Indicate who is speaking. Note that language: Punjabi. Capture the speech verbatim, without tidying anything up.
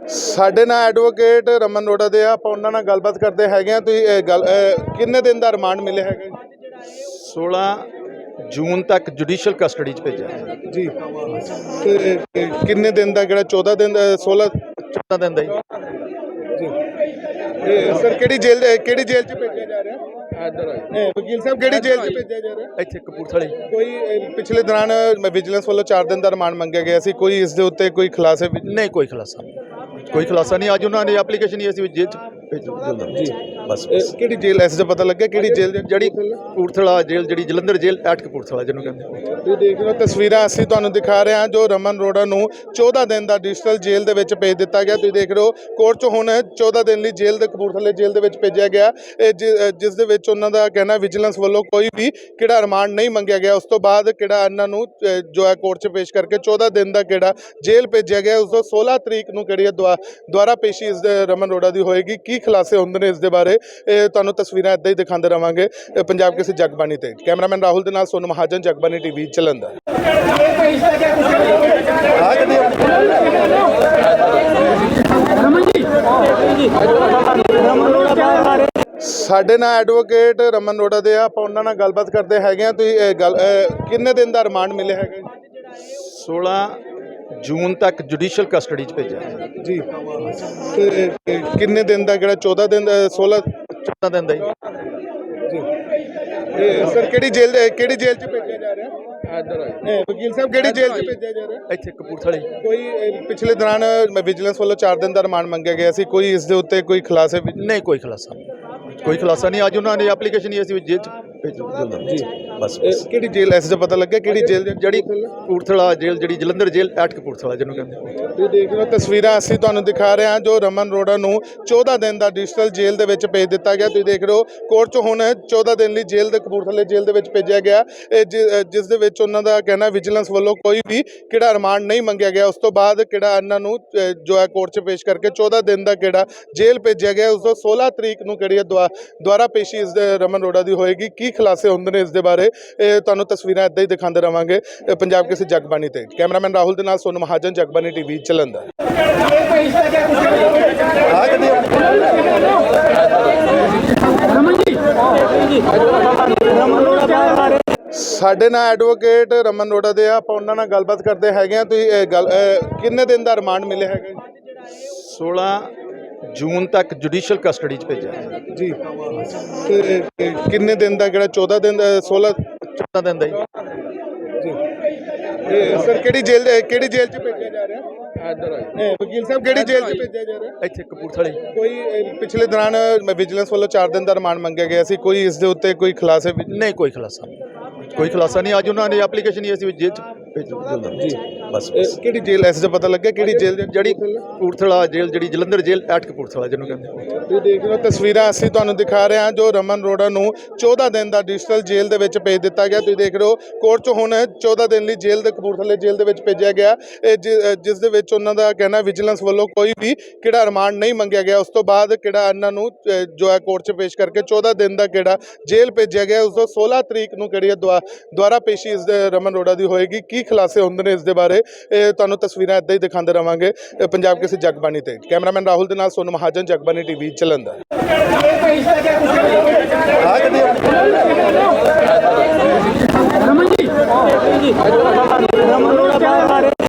Speaker 1: ਸਾਡੇ ਨਾਲ ਐਡਵੋਕੇਟ ਰਮਨ ਰੋੜਾ ਦੇ ਆ ਆਪਾਂ ਉਹਨਾਂ ਨਾਲ ਗੱਲਬਾਤ ਕਰਦੇ ਹੈਗੇ ਆ। ਤੁਸੀਂ ਇਹ ਗੱਲ ਅਹ ਕਿੰਨੇ ਦਿਨ ਦਾ ਰਿਮਾਂਡ ਮਿਲਿਆ ਹੈਗਾ
Speaker 2: सोलह जून तक जुडिशल कस्टडी च भेजा
Speaker 1: ਜੀ? ਤੇ ਇਹ ਕਿੰਨੇ ਦਿਨ ਦਾ ਕਿਹੜਾ ਚੌਦਾਂ ਦਿਨ ਦਾ सोलह
Speaker 2: चौदह दिन का
Speaker 1: ਜੀ? ਇਹ ਸਰ ਕਿਹੜੀ ਜੇਲ੍ਹ ਦੇ- ਕਿਹੜੀ ਜੇਲ੍ਹ 'ਚ ਭੇਜਿਆ ਜਾ ਰਿਹਾ?
Speaker 2: इधर
Speaker 1: ਇਹ ਵਕੀਲ ਸਾਹਿਬ ਕਿਹੜੀ ਜੇਲ੍ਹ 'ਚ ਭੇਜਿਆ ਜਾ ਰਿਹਾ?
Speaker 2: ਇੱਥੇ ਕਪੂਰਥਲੇ
Speaker 1: ਕੋਈ ਇਹ ਪਿਛਲੇ ਦੌਰਾਨ ਵਿਜੀਲੈਂਸ ਵੱਲੋਂ ਚਾਰ ਦਿਨ ਦਾ ਰਿਮਾਂਡ ਮੰਗਿਆ ਗਿਆ ਸੀ, ਕੋਈ ਇਸ ਦੇ ਉੱਤੇ ਕੋਈ ਖੁਲਾਸੇ ਵੀ
Speaker 2: ਨਹੀਂ ਕੋਈ ਖੁਲਾਸਾ ਨਹੀਂ ਕੋਈ ਖੁਲਾਸਾ ਨਹੀਂ। ਅੱਜ ਉਹਨਾਂ ਨੇ ਐਪਲੀਕੇਸ਼ਨ ਹੀ ਅਸੀਂ ਜੇਲ੍ਹ ਚ ਭੇਜੋ ਜਲਦੀ
Speaker 1: ਜੀ।
Speaker 2: ਬਸ
Speaker 1: ਇਹ ਕਿਹੜੀ ਜੇਲ੍ਹ ਐਸ ਦਾ ਪਤਾ ਲੱਗਿਆ ਕਿਹੜੀ ਜੇਲ੍ਹ ਦੇ-
Speaker 2: ਜਿਹੜੀ ਕਪੂਰਥਲਾ ਜੇਲ੍ਹ ਜਿਹੜੀ ਜਲੰਧਰ ਜੇਲ੍ਹ ਐਟ ਕਪੂਰਥਲਾ ਜਿਹਨੂੰ ਕਹਿੰਦੇ।
Speaker 1: ਤੁਸੀਂ ਦੇਖ ਰਹੇ ਹੋ ਤਸਵੀਰਾਂ ਅਸੀਂ ਤੁਹਾਨੂੰ ਦਿਖਾ ਰਹੇ ਹਾਂ ਜੋ ਰਮਨ ਰੋੜਾ ਨੂੰ ਚੌਦਾਂ ਦਿਨ ਦਾ ਡਿਜੀਟਲ ਜੇਲ੍ਹ ਦੇ ਵਿੱਚ ਭੇਜ ਦਿੱਤਾ ਗਿਆ। ਤੁਸੀਂ ਦੇਖ ਰਹੇ ਹੋ ਕੋਰਟ 'ਚ ਹੁਣ ਚੌਦਾਂ ਦਿਨ ਲਈ ਜੇਲ੍ਹ ਦੇ ਕਪੂਰਥਲੇ ਜੇਲ੍ਹ ਦੇ ਵਿੱਚ ਭੇਜਿਆ ਗਿਆ, ਇਹ ਜਿ- ਅ, ਜਿਸ ਦੇ ਵਿੱਚ ਉਹਨਾਂ ਦਾ ਕਹਿਣਾ ਵਿਜੀਲੈਂਸ ਵੱਲੋਂ ਕੋਈ ਵੀ ਕਿਹੜਾ ਰਿਮਾਂਡ ਨਹੀਂ ਮੰਗਿਆ ਗਿਆ। ਉਸ ਤੋਂ ਬਾਅਦ ਕਿਹੜਾ ਇਹਨਾਂ ਨੂੰ ਅ, ਜੋ ਹੈ ਕੋਰਟ 'ਚ ਪੇਸ਼ ਕਰਕੇ ਚੌਦਾਂ ਦਿਨ ਦਾ ਕਿਹੜਾ ਜੇਲ੍ਹ ਭੇਜਿਆ ਗਿਆ। ਉਸ ਤੋਂ सोलह ਤਰੀਕ ਨੂੰ ਕਿਹੜੀ ਹੈ ਦੁਆ ਦੁਆਰਾ ਪੇਸ਼ੀ ਇਸ ਦੇ ਰਮਨ ਰੋੜਾ ਦੀ ਹੋਏਗੀ। ਕੀ ਖੁਲਾਸੇ ਹੁੰਦੇ ਨੇ ਇਸ ਦੇ ਬਾਰੇ ਇਹ ਤੁਹਾਨੂੰ ਤਸਵੀਰਾਂ ਇੱਦਾਂ ਹੀ ਦਿਖਾਉਂਦੇ ਰਵਾਂਗੇ। ਇਹ ਪੰਜਾਬ ਕਿਸੇ ਜਗਬਾਣੀ ਤੇ ਕੈਮਰਾਮੈਨ ਰਾਹੁਲ ਦੇ ਨਾਲ ਸੋਨੂ ਮਹਾਜਨ, ਜਗਬਾਣੀ ਟੀਵੀ ਜਲੰਧਰ। ਸਾਡੇ ਨਾਲ ਐਡਵੋਕੇਟ ਰਮਨ ਰੋੜਾ ਦੇ ਆ ਆਪਾਂ ਉਹਨਾਂ ਨਾਲ ਗੱਲਬਾਤ ਕਰਦੇ ਹੈਗੇ ਆ। ਤੁਸੀਂ ਇਹ ਗੱਲ ਅਹ ਕਿੰਨੇ ਦਿਨ ਦਾ ਰਿਮਾਂਡ ਮਿਲਿਆ ਹੈਗਾ
Speaker 2: सोलह जून तक जुडिशल कस्टडी च भेजा
Speaker 1: ਜੀ? ਤੇ ਇਹ ਕਿੰਨੇ ਦਿਨ ਦਾ ਕਿਹੜਾ ਚੌਦਾਂ ਦਿਨ ਦਾ सोलह
Speaker 2: चौदह दिन का
Speaker 1: ਜੀ? ਇਹ ਸਰ ਕਿਹੜੀ ਜੇਲ੍ਹ ਦੇ- ਕਿਹੜੀ ਜੇਲ੍ਹ 'ਚ ਭੇਜਿਆ ਜਾ ਰਿਹਾ?
Speaker 2: इधर
Speaker 1: ਇਹ ਵਕੀਲ ਸਾਹਿਬ ਕਿਹੜੀ ਜੇਲ੍ਹ 'ਚ ਭੇਜਿਆ ਜਾ ਰਿਹਾ?
Speaker 2: ਇੱਥੇ ਕਪੂਰਥਲੇ
Speaker 1: ਕੋਈ ਇਹ ਪਿਛਲੇ ਦੌਰਾਨ ਵਿਜੀਲੈਂਸ ਵੱਲੋਂ ਚਾਰ ਦਿਨ ਦਾ ਰਿਮਾਂਡ ਮੰਗਿਆ ਗਿਆ ਸੀ, ਕੋਈ ਇਸ ਦੇ ਉੱਤੇ ਕੋਈ ਖੁਲਾਸੇ ਵੀ
Speaker 2: ਨਹੀਂ ਕੋਈ ਖੁਲਾਸਾ ਨਹੀਂ ਕੋਈ ਖੁਲਾਸਾ ਨਹੀਂ। ਅੱਜ ਉਹਨਾਂ ਨੇ ਐਪਲੀਕੇਸ਼ਨ ਹੀ ਅਸੀਂ ਜੇਲ੍ਹ ਚ ਭੇਜੋ ਜਲਦੀ ਬਸ
Speaker 1: ਇਹ ਕਿਹੜੀ ਜੇਲ੍ਹ ਐਸ ਦਾ ਪਤਾ ਲੱਗਿਆ ਕਿਹੜੀ ਜੇਲ੍ਹ ਦੇ-
Speaker 2: ਜਿਹੜੀ ਕਪੂਰਥਲਾ ਜੇਲ੍ਹ ਜਿਹੜੀ ਜਲੰਧਰ ਜੇਲ੍ਹ ਐਟ ਕਪੂਰਥਲਾ ਜਿਹਨੂੰ ਕਹਿੰਦੇ।
Speaker 1: ਤੁਸੀਂ ਦੇਖ ਰਹੇ ਹੋ ਤਸਵੀਰਾਂ ਅਸੀਂ ਤੁਹਾਨੂੰ ਦਿਖਾ ਰਹੇ ਹਾਂ ਜੋ ਰਮਨ ਰੋੜਾ ਨੂੰ ਚੌਦਾਂ ਦਿਨ ਦਾ ਡਿਜੀਟਲ ਜੇਲ੍ਹ ਦੇ ਵਿੱਚ ਭੇਜ ਦਿੱਤਾ ਗਿਆ। ਤੁਸੀਂ ਦੇਖ ਰਹੇ ਹੋ ਕੋਰਟ 'ਚ ਹੁਣ ਚੌਦਾਂ ਦਿਨ ਲਈ ਜੇਲ੍ਹ ਦੇ ਕਪੂਰਥਲੇ ਜੇਲ੍ਹ ਦੇ ਵਿੱਚ ਭੇਜਿਆ ਗਿਆ, ਇਹ ਜਿ- ਅ, ਜਿਸ ਦੇ ਵਿੱਚ ਉਹਨਾਂ ਦਾ ਕਹਿਣਾ ਵਿਜੀਲੈਂਸ ਵੱਲੋਂ ਕੋਈ ਵੀ ਕਿਹੜਾ ਰਿਮਾਂਡ ਨਹੀਂ ਮੰਗਿਆ ਗਿਆ। ਉਸ ਤੋਂ ਬਾਅਦ ਕਿਹੜਾ ਇਹਨਾਂ ਨੂੰ ਅ, ਜੋ ਹੈ ਕੋਰਟ 'ਚ ਪੇਸ਼ ਕਰਕੇ ਚੌਦਾਂ ਦਿਨ ਦਾ ਕਿਹੜਾ ਜੇਲ੍ਹ ਭੇਜਿਆ ਗਿਆ। ਉਸ ਤੋਂ सोलह ਤਰੀਕ ਨੂੰ ਕਿਹੜੀ ਹੈ ਦੁਆ ਦੁਆਰਾ ਪੇਸ਼ੀ ਇਸ ਦੇ ਰਮਨ ਰੋੜਾ ਦੀ ਹੋਏਗੀ। ਕੀ ਖੁਲਾਸੇ ਹੁੰਦੇ ਨੇ ਇਸ ਦੇ ਬਾਰੇ ਇਹ ਤੁਹਾਨੂੰ ਤਸਵੀਰਾਂ ਇੱਦਾਂ ਹੀ ਦਿਖਾਉਂਦੇ ਰਵਾਂਗੇ। ਇਹ ਪੰਜਾਬ ਕਿਸੇ ਜਗਬਾਣੀ ਤੇ ਕੈਮਰਾਮੈਨ ਰਾਹੁਲ ਦੇ ਨਾਲ ਸੋਨੂ ਮਹਾਜਨ, ਜਗਬਾਣੀ ਟੀਵੀ ਜਲੰਧਰ। ਸਾਡੇ ਨਾਲ ਐਡਵੋਕੇਟ ਰਮਨ ਰੋੜਾ ਦੇ ਆ ਆਪਾਂ ਉਹਨਾਂ ਨਾਲ ਗੱਲਬਾਤ ਕਰਦੇ ਹੈਗੇ ਆ। ਤੁਸੀਂ ਇਹ ਗੱਲ ਅਹ ਕਿੰਨੇ ਦਿਨ ਦਾ ਰਿਮਾਂਡ ਮਿਲਿਆ ਹੈਗਾ
Speaker 2: सोलह जून तक जुडिशल कस्टडी च भेजा
Speaker 1: ਜੀ? ਤੇ ਇਹ ਕਿੰਨੇ ਦਿਨ ਦਾ ਕਿਹੜਾ ਚੌਦਾਂ ਦਿਨ ਦਾ सोलह
Speaker 2: चौदह दिन का
Speaker 1: ਜੀ? ਇਹ ਸਰ ਕਿਹੜੀ ਜੇਲ੍ਹ ਦੇ- ਕਿਹੜੀ ਜੇਲ੍ਹ 'ਚ ਭੇਜਿਆ ਜਾ ਰਿਹਾ?
Speaker 2: इधर
Speaker 1: ਇਹ ਵਕੀਲ ਸਾਹਿਬ ਕਿਹੜੀ ਜੇਲ੍ਹ 'ਚ ਭੇਜਿਆ ਜਾ ਰਿਹਾ?
Speaker 2: ਇੱਥੇ ਕਪੂਰਥਲੇ
Speaker 1: ਕੋਈ ਇਹ ਪਿਛਲੇ ਦੌਰਾਨ ਵਿਜੀਲੈਂਸ ਵੱਲੋਂ ਚਾਰ ਦਿਨ ਦਾ ਰਿਮਾਂਡ ਮੰਗਿਆ ਗਿਆ ਸੀ, ਕੋਈ ਇਸ ਦੇ ਉੱਤੇ ਕੋਈ ਖੁਲਾਸੇ ਵੀ
Speaker 2: ਨਹੀਂ ਕੋਈ ਖੁਲਾਸਾ ਨਹੀਂ ਕੋਈ ਖੁਲਾਸਾ ਨਹੀਂ। ਅੱਜ ਉਹਨਾਂ ਨੇ ਐਪਲੀਕੇਸ਼ਨ ਹੀ ਅਸੀਂ ਜੇਲ੍ਹ ਚ ਭੇਜੋ ਜਲਦੀ ਬਸ
Speaker 1: ਇਹ ਕਿਹੜੀ ਜੇਲ੍ਹ ਐਸ ਦਾ ਪਤਾ ਲੱਗਿਆ ਕਿਹੜੀ ਜੇਲ੍ਹ ਦੇ-
Speaker 2: ਜਿਹੜੀ ਕਪੂਰਥਲਾ ਜੇਲ੍ਹ ਜਿਹੜੀ ਜਲੰਧਰ ਜੇਲ੍ਹ ਐਟ ਕਪੂਰਥਲਾ ਜਿਹਨੂੰ ਕਹਿੰਦੇ।
Speaker 1: ਤੁਸੀਂ ਦੇਖ ਰਹੇ ਹੋ ਤਸਵੀਰਾਂ ਅਸੀਂ ਤੁਹਾਨੂੰ ਦਿਖਾ ਰਹੇ ਹਾਂ ਜੋ ਰਮਨ ਰੋੜਾ ਨੂੰ ਚੌਦਾਂ ਦਿਨ ਦਾ ਡਿਜੀਟਲ ਜੇਲ੍ਹ ਦੇ ਵਿੱਚ ਭੇਜ ਦਿੱਤਾ ਗਿਆ। ਤੁਸੀਂ ਦੇਖ ਰਹੇ ਹੋ ਕੋਰਟ 'ਚ ਹੁਣ ਚੌਦਾਂ ਦਿਨ ਲਈ ਜੇਲ੍ਹ ਦੇ ਕਪੂਰਥਲੇ ਜੇਲ੍ਹ ਦੇ ਵਿੱਚ ਭੇਜਿਆ ਗਿਆ, ਇਹ ਜਿ- ਅ, ਜਿਸ ਦੇ ਵਿੱਚ ਉਹਨਾਂ ਦਾ ਕਹਿਣਾ ਵਿਜੀਲੈਂਸ ਵੱਲੋਂ ਕੋਈ ਵੀ ਕਿਹੜਾ ਰਿਮਾਂਡ ਨਹੀਂ ਮੰਗਿਆ ਗਿਆ। ਉਸ ਤੋਂ ਬਾਅਦ ਕਿਹੜਾ ਇਹਨਾਂ ਨੂੰ ਅ, ਜੋ ਹੈ ਕੋਰਟ 'ਚ ਪੇਸ਼ ਕਰਕੇ ਚੌਦਾਂ ਦਿਨ ਦਾ ਕਿਹੜਾ ਜੇਲ੍ਹ ਭੇਜਿਆ ਗਿਆ। ਉਸ ਤੋਂ सोलह ਤਰੀਕ ਨੂੰ ਕਿਹੜੀ ਹੈ ਦੁਆ ਦੁਆਰਾ ਪੇਸ਼ੀ ਇਸ ਦੇ ਰਮਨ ਰੋੜਾ ਦੀ ਹੋਏਗੀ। ਕੀ ਖੁਲਾਸੇ ਹੁੰਦੇ ਨੇ ਇਸ ਦੇ ਬਾਰੇ ਇਹ ਤੁਹਾਨੂੰ ਤਸਵੀਰਾਂ ਇੱਦਾਂ ਹੀ ਦਿਖਾਉਂਦੇ ਰਵਾਂਗੇ। ਇਹ ਪੰਜਾਬ ਕਿਸੇ ਜਗਬਾਣੀ ਤੇ ਕੈਮਰਾਮੈਨ ਰਾਹੁਲ ਦੇ ਨਾਲ ਸੋਨੂ ਮਹਾਜਨ, ਜਗਬਾਣੀ ਟੀਵੀ ਜਲੰਧਰ।
Speaker 3: रमन जी